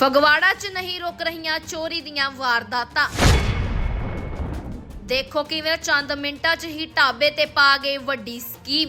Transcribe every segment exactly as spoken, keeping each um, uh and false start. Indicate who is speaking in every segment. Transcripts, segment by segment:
Speaker 1: ਫਗਵਾੜਾ 'ਚ ਨਹੀਂ ਰੁਕ ਰਹੀਆਂ ਚੋਰੀ ਦੀਆਂ ਵਾਰਦਾਤਾਂ। ਦੇਖੋ ਕਿਵੇਂ ਚੰਦ ਮਿੰਟਾਂ 'ਚ ਹੀ ਢਾਬੇ ਤੇ ਪਾ ਗਏ ਵੱਡੀ ਸਕੀਮ।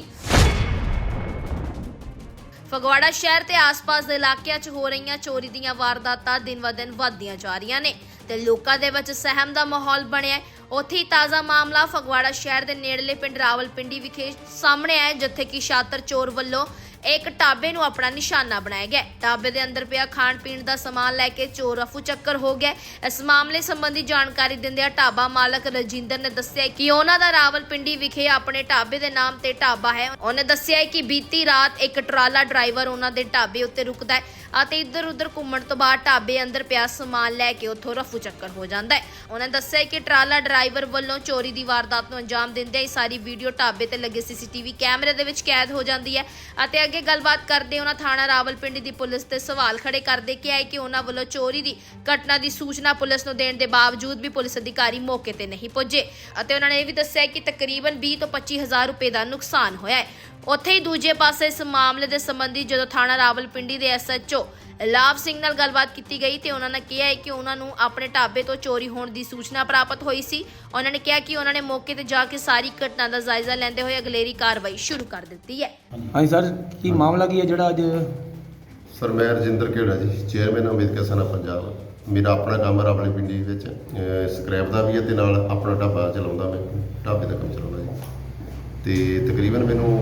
Speaker 1: ਫਗਵਾੜਾ ਸ਼ਹਿਰ ਤੇ ਆਸ-ਪਾਸ ਦੇ ਇਲਾਕਿਆਂ 'ਚ ਹੋ ਰਹੀਆਂ ਚੋਰੀ ਦੀਆਂ ਵਾਰਦਾਤਾਂ ਦਿਨ-ਬ-ਦਿਨ ਵਧਦੀਆਂ ਜਾ ਰਹੀਆਂ ਨੇ ਤੇ ਲੋਕਾਂ ਦੇ ਵਿੱਚ ਸਹਿਮ ਦਾ ਮਾਹੌਲ ਬਣਿਆ ਹੈ। ਉੱਥੇ ਹੀ ਤਾਜ਼ਾ ਮਾਮਲਾ ਫਗਵਾੜਾ ਸ਼ਹਿਰ ਦੇ ਨੇੜਲੇ ਪਿੰਡ ਰਾਵਲਪਿੰਡੀ ਵਿਖੇ ਸਾਹਮਣੇ ਆਇਆ, ਜਿੱਥੇ ਕਿ ਸ਼ਾਤਰ ਚੋਰ ਵੱਲੋਂ ਇੱਕ ਢਾਬੇ ਨੂੰ ਆਪਣਾ ਨਿਸ਼ਾਨਾ ਬਣਾਇਆ ਗਿਆ। ਢਾਬੇ ਦੇ ਅੰਦਰ ਪਿਆ ਖਾਣ ਪੀਣ ਦਾ ਸਮਾਨ ਲੈ ਕੇ ਚੋਰ ਰਫੂ ਚੱਕਰ ਹੋ ਗਿਆ। ਇਸ ਮਾਮਲੇ ਸੰਬੰਧੀ ਜਾਣਕਾਰੀ ਦਿੰਦਿਆਂ ਢਾਬਾ ਮਾਲਕ ਰਜਿੰਦਰ ਨੇ ਦੱਸਿਆ ਕਿ ਉਹਨਾਂ ਦਾ ਰਾਵਲਪਿੰਡੀ ਵਿਖੇ ਆਪਣੇ ਢਾਬੇ ਦੇ ਨਾਮ ਤੇ ਢਾਬਾ ਹੈ। ਉਹਨੇ ਦੱਸਿਆ ਕਿ ਬੀਤੀ ਰਾਤ ਇੱਕ ਟਰਾਲਾ ਡਰਾਈਵਰ ਉਹਨਾਂ ਦੇ ਢਾਬੇ ਉੱਤੇ ਰੁਕਦਾ ਹੈ ਅਤੇ ਇੱਧਰ ਉੱਧਰ ਘੁੰਮਣ ਤੋਂ ਬਾਅਦ ਢਾਬੇ ਅੰਦਰ ਪਿਆ ਸਮਾਨ ਲੈ ਕੇ ਉੱਥੋਂ ਰਫੂ ਚੱਕਰ ਹੋ ਜਾਂਦਾ ਹੈ। ਉਹਨੇ ਦੱਸਿਆ ਕਿ ਟਰਾਲਾ ਡਰਾਈਵਰ ਵੱਲੋਂ ਚੋਰੀ ਦੀ ਵਾਰਦਾਤ ਨੂੰ ਅੰਜਾਮ ਦਿੰਦਿਆਂ ਇਹ ਸਾਰੀ ਵੀਡੀਓ ਢਾਬੇ ਤੇ ਲੱਗੇ ਸੀਸੀਟੀਵੀ ਕੈਮਰੇ ਦੇ ਵਿੱਚ ਕੈਦ ਹੋ ਜਾਂਦੀ ਹੈ ਅਤੇ ਅੱਗੇ ਗੱਲਬਾਤ ਕਰਦੇ ਉਹਨਾਂ ਥਾਣਾ ਰਾਵਲਪਿੰਡੀ ਦੀ ਪੁਲਿਸ ਤੇ ਸਵਾਲ ਖੜੇ ਕਰਦੇ ਕਿਹਾ ਕਿ ਉਹਨਾਂ ਵੱਲੋਂ ਚੋਰੀ ਦੀ ਘਟਨਾ ਦੀ ਸੂਚਨਾ ਪੁਲਿਸ ਨੂੰ ਦੇਣ ਦੇ ਬਾਵਜੂਦ ਵੀ ਪੁਲਿਸ ਅਧਿਕਾਰੀ ਮੌਕੇ ਤੇ ਨਹੀਂ ਪਹੁੰਚੇ ਅਤੇ ਉਹਨਾਂ ਨੇ ਇਹ ਵੀ ਦੱਸਿਆ ਕਿ ਤਕਰੀਬਨ ਵੀਹ ਤੋਂ ਪੱਚੀ ਹਜ਼ਾਰ ਰੁਪਏ ਦਾ ਨੁਕਸਾਨ ਹੋਇਆ ਹੈ। ਉੱਥੇ ਹੀ ਦੂਜੇ ਪਾਸੇ ਇਸ ਮਾਮਲੇ ਦੇ ਸੰਬੰਧੀ ਜਦੋਂ ਥਾਣਾ ਰਾਵਲਪਿੰਡੀ ਦੇ ਐਸ ਐਚ ਓ ਲਾਭ ਸਿੰਘ ਨਾਲ ਗੱਲਬਾਤ ਕੀਤੀ ਗਈ ਤੇ ਉਹਨਾਂ ਨੇ ਕਿਹਾ ਹੈ ਕਿ ਉਹਨਾਂ ਨੂੰ ਆਪਣੇ ਢਾਬੇ ਤੋਂ ਚੋਰੀ ਹੋਣ ਦੀ ਸੂਚਨਾ ਪ੍ਰਾਪਤ ਹੋਈ ਸੀ। ਉਹਨਾਂ ਨੇ ਕਿਹਾ ਕਿ ਉਹਨਾਂ ਨੇ ਮੌਕੇ ਤੇ ਜਾ ਕੇ ਸਾਰੀ ਘਟਨਾ ਦਾ ਜਾਇਜ਼ਾ ਲੈਂਦੇ ਹੋਏ ਅਗਲੇਰੀ ਕਾਰਵਾਈ ਸ਼ੁਰੂ ਕਰ ਦਿੱਤੀ ਹੈ।
Speaker 2: ਹਾਂਜੀ ਸਰ, ਕੀ ਮਾਮਲਾ ਕੀ ਹੈ ਜਿਹੜਾ ਅੱਜ?
Speaker 3: ਸਰ ਮੈਂ ਰਜਿੰਦਰ ਘੇੜਾ ਜੀ, ਚੇਅਰਮੈਨ ਅੰਬੇਦਕਰ ਸੈਨਾ ਪੰਜਾਬ। ਮੇਰਾ ਆਪਣਾ ਕੰਮ ਰਾਵਲਪਿੰਡੀ ਵਿੱਚ ਸਕ੍ਰੈਪ ਦਾ ਵੀ ਹੈ ਤੇ ਨਾਲ ਆਪਣਾ ਢਾਬਾ ਚਲਾਉਂਦਾ, ਮੈਂ ਢਾਬੇ ਦਾ ਕੰਮ ਚਲਾਉਂਦਾ ਜੀ। ਤੇ ਤਕਰੀਬਨ ਮੈਨੂੰ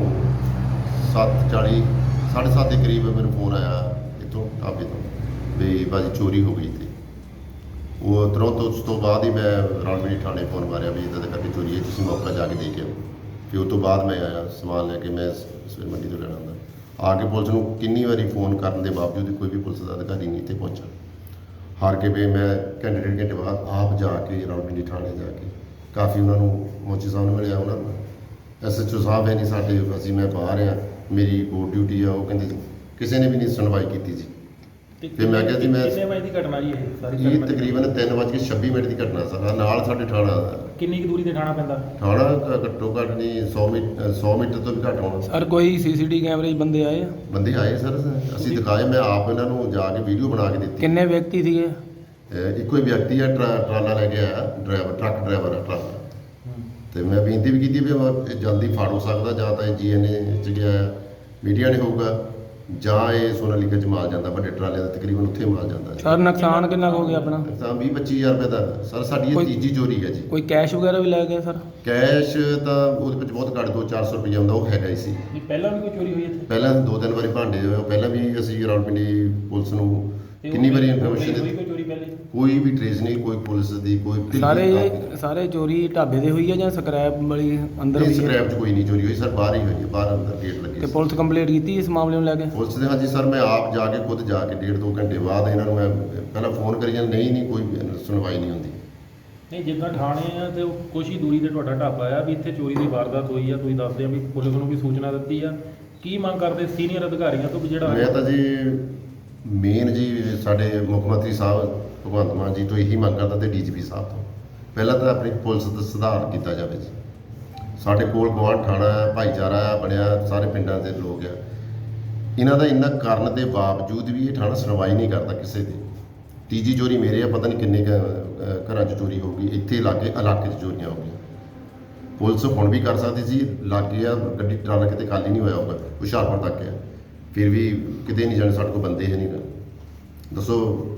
Speaker 3: ਸੱਤ ਚਾਲੀ ਸਾਢੇ ਸੱਤ ਦੇ ਕਰੀਬ ਮੈਨੂੰ ਫੋਨ ਆਇਆ ਇੱਥੋਂ ਢਾਬੇ ਤੋਂ ਵੀ ਭਾਜੀ ਚੋਰੀ ਹੋ ਗਈ। ਤੇ ਉਹ ਤੁਰੰਤ ਉਸ ਤੋਂ ਬਾਅਦ ਹੀ ਮੈਂ ਰਾਵਲਪਿੰਡੀ ਥਾਣੇ ਫੋਨ ਮਾਰਿਆ ਵੀ ਇੱਦਾਂ ਦਾ ਕਰਕੇ ਚੋਰੀ ਹੈ, ਤੁਸੀਂ ਮੌਕਾ ਜਾ ਕੇ ਦੇਖ ਆਓ। ਫਿਰ ਉਸ ਤੋਂ ਬਾਅਦ ਮੈਂ ਆਇਆ ਸਮਾਨ ਲੈ ਕੇ, ਮੈਂ ਸਵੇਰ ਮੰਡੀ ਤੋਂ ਲੈਣਾ ਹੁੰਦਾ। ਆ ਕੇ ਪੁਲਿਸ ਨੂੰ ਕਿੰਨੀ ਵਾਰੀ ਫੋਨ ਕਰਨ ਦੇ ਬਾਵਜੂਦ ਕੋਈ ਵੀ ਪੁਲਿਸ ਦਾ ਅਧਿਕਾਰੀ ਨਹੀਂ ਇੱਥੇ ਪਹੁੰਚਾ। ਹਾਰ ਕੇ ਵੀ ਮੈਂ ਘੰਟੇ ਡੇਢ ਘੰਟੇ ਬਾਅਦ ਆਪ ਜਾ ਕੇ ਰਾਵਲਪਿੰਡੀ ਥਾਣੇ ਜਾ ਕੇ ਕਾਫੀ ਉਹਨਾਂ ਨੂੰ ਮੋਚੀ ਸਾਹਿਬ ਨੂੰ ਮਿਲਿਆ। ਉਹਨਾਂ ਨੂੰ ਐਸ ਐਚ ਓ ਸਾਹਿਬ ਹੈ ਨਹੀਂ ਸਾਡੇ, ਅਸੀਂ ਮੈਂ ਬਾਹਰ ਆ, ਮੇਰੀ ਕੋਰਟ ਡਿਊਟੀ ਆ। ਉਹ ਕਹਿੰਦੇ ਕਿਸੇ ਨੇ ਵੀ ਨਹੀਂ ਸੁਣਵਾਈ ਕੀਤੀ ਜੀ। ਫਿਰ ਮੈਂ ਕਿਹਾ ਜੀ ਮੈਂ
Speaker 4: ਕਿੰਨੇ ਵਜੇ ਦੀ ਘਟਨਾ ਜੀ ਇਹ ਸਾਰੀ?
Speaker 3: ਇਹ ਤਕਰੀਬਨ ਤਿੰਨ ਵੱਜ ਕੇ ਛੱਬੀ ਮਿੰਟ ਦੀ ਘਟਨਾ ਸਰ। ਨਾਲ ਸਾਡੇ ਥਾਣਾ
Speaker 4: ਕਿੰਨੀ ਕੁ ਦੂਰੀ ਤੇ ਥਾਣਾ ਪੈਂਦਾ?
Speaker 3: ਥਾਣਾ ਘੱਟੋ ਘੱਟ ਨਹੀਂ ਸੌ ਮੀਟਰ ਸੌ ਮੀਟਰ ਤੋਂ ਵੀ ਘੱਟ ਹੋਣਾ।
Speaker 2: ਸਰ ਕੋਈ ਸੀਸੀਟੀ ਕੈਮਰੇ 'ਚ ਬੰਦੇ ਆਏ ਆ?
Speaker 3: ਬੰਦੇ ਆਏ ਸਰ, ਅਸੀਂ ਦਿਖਾਏ, ਮੈਂ ਆਪ ਇਹਨਾਂ ਨੂੰ ਜਾ ਕੇ ਵੀਡੀਓ ਬਣਾ ਕੇ ਦਿੱਤੀ।
Speaker 2: ਕਿੰਨੇ ਵਿਅਕਤੀ ਸੀਗੇ?
Speaker 3: ਅਹ ਇੱਕੋ ਹੀ ਵਿਅਕਤੀ ਆ, ਟਰਾ- ਟਰਾਲਾ ਲੈ ਕੇ ਆਇਆ, ਡਰਾਈਵਰ ਟਰੱਕ ਡਰਾਈਵਰ ਆ ਟਰਾਲਾ। ਤੇ ਮੈਂ ਬੇਨਤੀ ਵੀ ਕੀਤੀ ਵੀ ਉਹ ਜਲਦੀ ਫੜ ਹੋ ਸਕਦਾ, ਜਾਂ ਤਾਂ ਇਹ ਜੀ ਐਨ ਏ 'ਚ ਗਿਆ ਮੀਡੀਆ ਨੇ ਹੋਊਗਾ, ਜਾਂ ਇਹ ਸੋਨਾਲੀਕਾ 'ਚ ਮਾਲ ਜਾਂਦਾ, ਵੱਡੇ ਟਰਾਲੇ ਦਾ ਤਕਰੀਬਨ ਉੱਥੇ ਮਾਲ ਜਾਂਦਾ।
Speaker 2: ਸਰ ਨੁਕਸਾਨ ਕਿੰਨਾ ਕੁ ਹੋ ਗਿਆ ਆਪਣਾ?
Speaker 3: ਤਾਂ ਵੀਹ ਪੱਚੀ ਹਜ਼ਾਰ ਰੁਪਏ ਦਾ ਸਰ ਸਾਡੀ ਇਹ
Speaker 2: ਕੋਈ-
Speaker 3: ਤੀਜੀ ਚੋਰੀ ਹੈ ਜੀ।
Speaker 2: ਕੋਈ ਕੈਸ਼ ਵਗੈਰਾ ਵੀ ਲੈ ਗਏ ਸਰ?
Speaker 3: ਕੈਸ਼ ਤਾਂ ਉਹਦੇ ਵਿੱਚ ਬਹੁਤ ਘੱਟ ਦੋ ਚਾਰ ਸੌ ਰੁਪਏ ਆਉਂਦਾ, ਉਹ ਹੈਗਾ ਹੀ ਸੀ।
Speaker 4: ਨਹੀਂ ਪਹਿਲਾਂ ਵੀ ਕੋਈ ਚੋਰੀ ਹੋਈ ਇੱਥੇ?
Speaker 3: ਪਹਿਲਾਂ ਦੋ ਤਿੰਨ ਵਾਰੀ ਭਾਂਡੇ ਹੋਏ, ਪਹਿਲਾਂ ਵੀ ਅਸੀਂ ਰਾਵਲਪਿੰਡੀ ਪੁਲਿਸ ਨੂੰ
Speaker 4: ਤੇ
Speaker 3: ਕਿੰਨੀ
Speaker 4: ਉਹ
Speaker 3: ਵਾਰੀ
Speaker 4: ਹੋਈ
Speaker 3: ਇਨਫੋਰਮੇਸ਼ਨ
Speaker 4: ਕੋਈ
Speaker 3: ਦਿੱਤੀ,
Speaker 4: ਚੋਰੀ ਪਹਿਲੇ?
Speaker 3: ਕੋਈ ਵੀ ਟ੍ਰੇਸ ਨਹੀਂ, ਕੋਈ ਪੁਲਿਸ ਦੀ ਕੋਈ
Speaker 2: ਸਾਰੇ ਸਾਰੇ ਚੋਰੀ ਢਾਬੇ ਦੇ ਹੋਈ ਹੈ ਜਾਂ ਸਕ੍ਰੈਪ ਵਾਲੀ ਅੰਦਰ ਵੀ ਹੈ?
Speaker 3: ਸਕ੍ਰੈਪ 'ਚ ਕੋਈ ਨਹੀਂ ਚੋਰੀ ਹੋਈ ਸਰ, ਬਾਹਰ ਹੀ ਹੋਈ ਹੈ, ਬਾਹਰ ਅੰਦਰ ਗੇਟ ਲੱਗੇ
Speaker 2: ਤੇ
Speaker 3: ਸੀ।
Speaker 2: ਪੁਲਿਸ ਕੰਪਲੀਟ ਕੀਤੀ ਇਸ ਮਾਮਲੇ ਨੂੰ ਲੈ ਕੇ?
Speaker 3: ਪੁਲਿਸ ਦੇ ਹਾਂਜੀ ਸਰ, ਮੈਂ ਆਪ ਜਾ ਕੇ ਖੁਦ ਜਾ ਕੇ ਡੇਢ ਦੋ ਘੰਟੇ ਬਾਅਦ ਇਹਨਾਂ ਨੂੰ ਮੈਂ ਪਹਿਲਾਂ ਫੋਨ ਕਰੀ ਜਾਂਦਾ, ਨਹੀਂ ਨਹੀਂ ਕੋਈ ਸੁਣਵਾਈ ਨਹੀਂ ਹੁੰਦੀ।
Speaker 4: ਨਹੀਂ ਜਿੱਦਾਂ ਥਾਣੇ ਆ ਤੇ ਕੁਛ ਹੀ ਦੂਰੀ ਤੇ ਤੁਹਾਡਾ ਢਾਬਾ ਆ, ਵੀ ਇੱਥੇ ਚੋਰੀ ਦੀ ਵਾਰਦਾਤ ਹੋਈ ਆ, ਤੁਸੀਂ ਦੱਸਦੇ ਆ ਵੀ ਪੁਲਿਸ ਨੂੰ ਵੀ ਸੂਚਨਾ ਦਿੱਤੀ ਆ। ਕੀ ਮੰਗ ਕਰਦੇ ਸੀਨੀਅਰ ਅਧਿਕਾਰੀਆਂ ਤੋਂ ਵੀ ਜਿਹੜਾ
Speaker 3: ਮੈਂ ਤਾਂ ਜੀ ਮੇਨ ਜੀ ਸਾਡੇ ਮੁੱਖ ਮੰਤਰੀ ਸਾਹਿਬ ਭਗਵੰਤ ਮਾਨ ਜੀ ਤੋਂ ਇਹੀ ਮੰਗ ਕਰਦਾ ਤੇ ਡੀ ਜੀ ਪੀ ਸਾਹਿਬ ਤੋਂ, ਪਹਿਲਾਂ ਤਾਂ ਆਪਣੀ ਪੁਲਿਸ ਦਾ ਸੁਧਾਰ ਕੀਤਾ ਜਾਵੇ ਜੀ। ਸਾਡੇ ਕੋਲ ਗੁਆਂਢ ਥਾਣਾ ਭਾਈਚਾਰਾ ਬਣਿਆ, ਸਾਰੇ ਪਿੰਡਾਂ ਦੇ ਲੋਕ ਆ, ਇਹਨਾਂ ਦਾ ਇੰਨਾ ਕਰਨ ਦੇ ਬਾਵਜੂਦ ਵੀ ਇਹ ਥਾਣਾ ਸੁਣਵਾਈ ਨਹੀਂ ਕਰਦਾ ਕਿਸੇ ਦੀ। ਤੀਜੀ ਚੋਰੀ ਮੇਰੇ ਆ, ਪਤਾ ਨਹੀਂ ਕਿੰਨੇ ਕੁ, ਅਹ, ਘਰਾਂ 'ਚ ਚੋਰੀ ਹੋ ਗਈ, ਇੱਥੇ ਲਾਗੇ ਇਲਾਕੇ 'ਚ ਚੋਰੀਆਂ ਹੋ ਗਈਆਂ। ਪੁਲਿਸ ਹੁਣ ਵੀ ਕਰ ਸਕਦੀ ਸੀ, ਲਾਗੇ ਆ, ਗੱਡੀ ਟਰਾਲਾ ਕਿਤੇ ਖਾਲੀ ਨਹੀਂ ਹੋਇਆ ਹੋਊਗਾ, ਹੁਸ਼ਿਆਰਪੁਰ ਤੱਕ ਆ, ਫਿਰ ਵੀ ਕਿਤੇ ਨਹੀਂ ਜਾਣੇ, ਸਾਡੇ ਕੋਲ ਬੰਦੇ ਹੈ ਨਹੀਂ ਨਾ। ਦੱਸੋ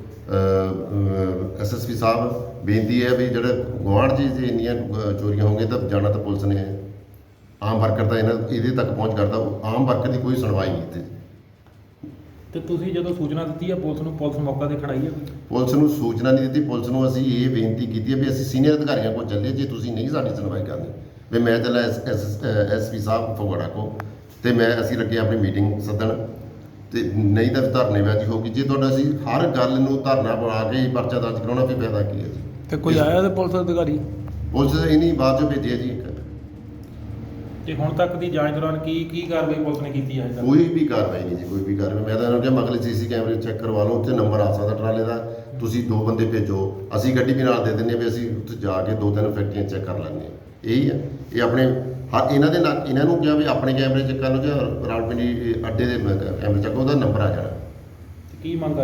Speaker 3: ਐਸ ਐਸ ਪੀ ਸਾਹਿਬ, ਬੇਨਤੀ ਹੈ ਵੀ ਜਿਹੜਾ ਗੁਆਂਢ 'ਚ ਜੇ ਇੰਨੀਆਂ ਅਹ, ਚੋਰੀਆਂ ਹੋਣਗੀਆਂ ਤਾਂ ਜਾਣਾ ਤਾਂ ਪੁਲਿਸ ਨੇ, ਆਮ ਵਰਕਰ ਤਾਂ ਇਹਨਾਂ ਇਹਦੇ ਤੱਕ ਪਹੁੰਚ ਕਰਦਾ, ਆਮ ਵਰਕਰ ਦੀ ਕੋਈ ਸੁਣਵਾਈ ਨਹੀਂ ਇੱਥੇ।
Speaker 4: ਤੇ ਤੁਸੀਂ ਜਦੋਂ ਸੂਚਨਾ ਦਿੱਤੀ ਆ ਪੁਲਿਸ ਨੂੰ, ਪੁਲਿਸ ਮੌਕਾ ਦੇਖਣ ਆਈ ਆ ਕੋਈ?
Speaker 3: ਪੁਲਿਸ ਨੂੰ ਸੂਚਨਾ ਨਹੀਂ ਦਿੱਤੀ। ਪੁਲਿਸ ਨੂੰ ਅਸੀਂ ਇਹ ਬੇਨਤੀ ਕੀਤੀ ਹੈ ਵੀ ਅਸੀਂ ਸੀਨੀਅਰ ਅਧਿਕਾਰੀਆਂ ਕੋਲ ਚੱਲੇ, ਜੇ ਤੁਸੀਂ ਨਹੀਂ ਸਾਡੀ ਸੁਣਵਾਈ ਕਰਦੇ ਵੀ ਮੈਂ ਚੱਲਾ ਐਸ ਪੀ ਸਾਹਿਬ ਫਗਵਾੜਾ ਕੋ, ਤੇ ਮੈਂ ਅਸੀਂ ਲੱਗੇ ਆਪਣੀ ਮੀਟਿੰਗ ਸੱਦਣ, ਤੇ ਨਹੀਂ ਤਾਂ ਧਰਨੇਬਾਜ਼ੀ ਹੋਊਗੀ। ਜੇ ਤੁਹਾਡਾ ਅਸੀਂ ਹਰ ਗੱਲ ਨੂੰ ਧਰਨਾ ਬਣਾ ਕੇ ਹੀ ਪਰਚਾ ਦਰਜ ਕਰਾਉਣਾ, ਫਿਰ ਫਾਇਦਾ ਕੀ ਹੈ ਜੀ?
Speaker 2: ਤੇ ਕੋਈ ਆਇਆ ਤੇ ਪੁਲਿਸ ਅਧਿਕਾਰੀ?
Speaker 3: ਪੁਲਿਸ ਇਹਨੀ ਬਾਅਦ ਚੋਂ ਭੇਜਿਆ ਜੀ। ਇੱਕ
Speaker 4: ਤੇ ਹੁਣ ਤੱਕ ਦੀ ਜਾਂਚ ਦੌਰਾਨ ਕੀ ਕੀ ਕਾਰਵਾਈ ਪੁਲਿਸ ਨੇ ਕੀਤੀ ਹੈ?
Speaker 3: ਕੋਈ ਵੀ ਕਾਰਵਾਈ ਨਹੀਂ ਜੀ, ਕੋਈ ਵੀ ਕਾਰਵਾਈ। ਮੈਂ ਤਾਂ ਇਹਨਾਂ ਨੂੰ ਕਿਹਾ ਮਗਲੇ ਸੀ ਸੀ ਕੈਮਰੇ ਚੈੱਕ ਕਰਵਾ ਲਓ, ਉੱਥੇ ਨੰਬਰ ਆ ਸਕਦਾ ਟਰਾਲੇ ਦਾ, ਤੁਸੀਂ ਦੋ ਬੰਦੇ ਭੇਜੋ, ਅਸੀਂ ਗੱਡੀ ਵੀ ਨਾਲ ਦੇ ਦਿੰਦੇ ਵੀ ਅਸੀਂ ਉੱਥੇ ਜਾ ਕੇ ਦੋ ਤਿੰਨ ਫੈਕਟਰੀਆਂ ਚੈੱਕ ਕਰ ਲੈਂਦੇ ਹਾਂ। ਇਹੀ ਹੈ, ਇਹ ਆਪਣੇ ਹਾਂ ਇਹਨਾਂ ਦੇ ਨਾਲ ਇਹਨਾਂ ਨੂੰ ਕਿਹਾ ਵੀ ਆਪਣੇ ਕੈਮਰੇ ਚੈੱਕ ਕਰ ਲਓ, ਜਾਂ ਰਾਵਲਪਿੰਡੀ ਅੱਡੇ ਦੇ ਕੈਮਰੇ ਚੈੱਕ, ਉਹਦਾ ਨੰਬਰ ਆ ਜਾਣਾ।
Speaker 4: ਕੀ ਮੰਗ ਕਰਦੇ ਹੋ?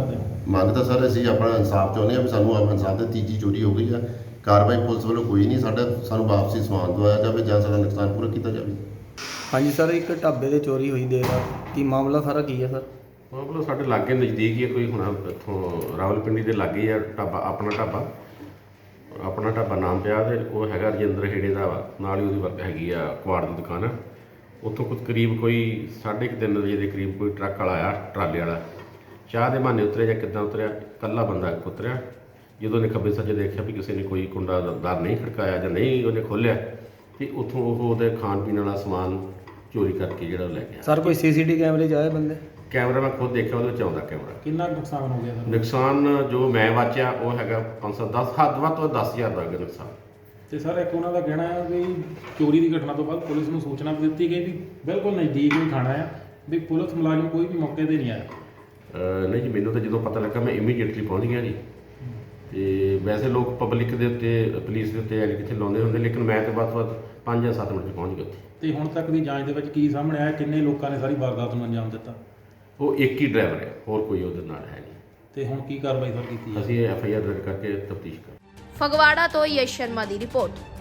Speaker 3: ਮੰਗ ਤਾਂ ਸਰ ਅਸੀਂ ਆਪਣਾ ਇਨਸਾਫ ਚਾਹੁੰਦੇ ਹਾਂ ਵੀ ਸਾਨੂੰ ਆਪਣਾ ਇਨਸਾਫ ਦੀ ਤੀਜੀ ਚੋਰੀ ਹੋ ਗਈ ਆ। ਕਾਰਵਾਈ ਪੁਲਿਸ ਵੱਲੋਂ ਕੋਈ ਨਹੀਂ, ਸਾਡਾ ਸਾਨੂੰ ਵਾਪਸੀ ਸਮਾਨ ਦਵਾਇਆ ਜਾਵੇ ਜਾਂ ਸਾਡਾ ਨੁਕਸਾਨ ਪੂਰਾ ਕੀਤਾ ਜਾਵੇ।
Speaker 2: ਹਾਂਜੀ ਸਰ, ਇੱਕ ਢਾਬੇ ਤੇ ਚੋਰੀ ਹੋਈ ਦੇਰ ਰਾਤ, ਕੀ ਮਾਮਲਾ ਸਾਰਾ ਕੀ ਹੈ ਸਰ?
Speaker 5: ਮਤਲਬ ਸਾਡੇ ਲਾਗੇ ਨਜ਼ਦੀਕ ਹੀ ਹੈ, ਕੋਈ ਹੁਣ ਇੱਥੋਂ ਰਾਵਲਪਿੰਡੀ ਦੇ ਲਾਗੇ ਆ ਢਾਬਾ, ਆਪਣਾ ਢਾਬਾ ਆਪਣਾ ਢਾਬਾ ਨਾਮ ਪਿਆ ਤੇ ਉਹ ਹੈਗਾ ਰਜਿੰਦਰ ਖੇੜੇ ਦਾ ਵਾ, ਨਾਲ ਹੀ ਉਹਦੀ ਵਰਕ ਹੈਗੀ ਆ ਕੁਆੜ ਦੀ ਦੁਕਾਨ ਆ। ਉੱਥੋਂ ਕੁਝ ਕਰੀਬ ਕੋਈ ਸਾਢੇ ਕੁ ਤਿੰਨ ਵਜੇ ਦੇ ਕਰੀਬ ਕੋਈ ਟਰੱਕ ਵਾਲਾ ਆਇਆ, ਟਰਾਲੇ ਵਾਲਾ, ਚਾਹ ਦੇ ਬਹਾਨੇ ਉਤਰਿਆ ਜਾਂ ਕਿੱਦਾਂ ਉਤਰਿਆ, ਇਕੱਲਾ ਬੰਦਾ ਉਤਰਿਆ। ਜਦੋਂ ਉਹਨੇ ਖੱਬੇ ਸੱਜੇ ਦੇਖਿਆ ਵੀ ਕਿਸੇ ਨੇ ਕੋਈ ਕੁੰਡਾ ਦਰ ਨਹੀਂ ਖੜਕਾਇਆ ਜਾਂ ਨਹੀਂ ਉਹਨੇ ਖੋਲ੍ਹਿਆ, ਤੇ ਉੱਥੋਂ ਉਹ ਉਹਦੇ ਖਾਣ ਪੀਣ ਵਾਲਾ ਸਮਾਨ ਚੋਰੀ ਕਰਕੇ ਜਿਹੜਾ ਉਹ ਲੈ ਗਿਆ।
Speaker 2: ਸਰ ਕੋਈ ਸੀਸੀਟੀ ਕੈਮਰੇ 'ਚ ਆਏ ਬੰਦੇ?
Speaker 5: ਕੈਮਰਾ ਮੈਂ ਖੁਦ ਦੇਖਿਆ, ਉਹਦੇ ਵਿੱਚ ਆਉਂਦਾ ਕੈਮਰਾ।
Speaker 4: ਕਿੰਨਾ ਕੁ ਨੁਕਸਾਨ ਹੋ ਗਿਆ ਸਰ?
Speaker 5: ਨੁਕਸਾਨ ਜੋ ਮੈਂ ਵਾਚਿਆ ਉਹ ਹੈਗਾ ਪੰਜ ਸੌ ਦਸ, ਹੱਦ ਵੱਧ ਤੋਂ ਦਸ ਹਜ਼ਾਰ ਦਾ ਹੈਗਾ ਨੁਕਸਾਨ।
Speaker 4: ਤੇ ਸਰ ਇੱਕ ਉਹਨਾਂ ਦਾ ਕਹਿਣਾ ਹੈ ਵੀ ਚੋਰੀ ਦੀ ਘਟਨਾ ਤੋਂ ਬਾਅਦ ਪੁਲਿਸ ਨੂੰ ਸੂਚਨਾ ਵੀ ਦਿੱਤੀ ਗਈ ਵੀ ਬਿਲਕੁਲ ਨਜ਼ਦੀਕ ਹੀ ਥਾਣਾ ਆ, ਵੀ ਪੁਲਿਸ ਮੁਲਾਜ਼ਮ ਕੋਈ ਵੀ ਮੌਕੇ 'ਤੇ ਨਹੀਂ ਆਇਆ।
Speaker 5: ਅਹ ਨਹੀਂ ਜੀ, ਮੈਨੂੰ ਤਾਂ ਜਦੋਂ ਪਤਾ ਲੱਗਾ ਮੈਂ ਇਮੀਡੀਏਟਲੀ ਪਹੁੰਚ ਗਿਆ ਜੀ। ਤੇ ਵੈਸੇ ਲੋਕ ਪਬਲਿਕ ਦੇ ਉੱਤੇ, ਪੁਲਿਸ ਦੇ ਉੱਤੇ ਐਲ ਕਿੱਥੇ ਲਾਉਂਦੇ ਹੁੰਦੇ, ਲੇਕਿਨ ਮੈਂ ਤਾਂ ਵੱਧ ਤੋਂ ਵੱਧ ਪੰਜ ਜਾਂ ਸੱਤ ਮਿੰਟ 'ਚ ਪਹੁੰਚ ਗਿਆ ਉੱਥੇ।
Speaker 4: ਤੇ ਹੁਣ ਤੱਕ ਦੀ ਜਾਂਚ ਦੇ ਵਿੱਚ ਕੀ ਸਾਹਮਣੇ ਆਇਆ, ਕਿੰਨੇ ਲੋਕਾਂ ਨੇ ਸਾਰੀ ਵਾਰਦਾਤ ਨੂੰ ਅੰਜਾਮ ਦਿੱਤਾ?
Speaker 5: ਉਹ ਇੱਕ ਹੀ ਡਰਾਈਵਰ ਹੈ, ਹੋਰ ਕੋਈ ਉਹਦੇ ਨਾਲ ਹੈ ਨਹੀਂ।
Speaker 4: ਤੇ ਹੁਣ ਕੀ ਕਾਰਵਾਈ ਸਰ ਕੀਤੀ ਹੈ?
Speaker 5: ਅਸੀਂ ਐਫ ਆਈ ਆਰ ਦਰਜ ਕਰਕੇ ਤਫਤੀਸ਼ ਕਰ
Speaker 1: ਫਗਵਾੜਾ ਤੋਂ ਯਸ਼ ਸ਼ਰਮਾ ਦੀ ਰਿਪੋਰਟ।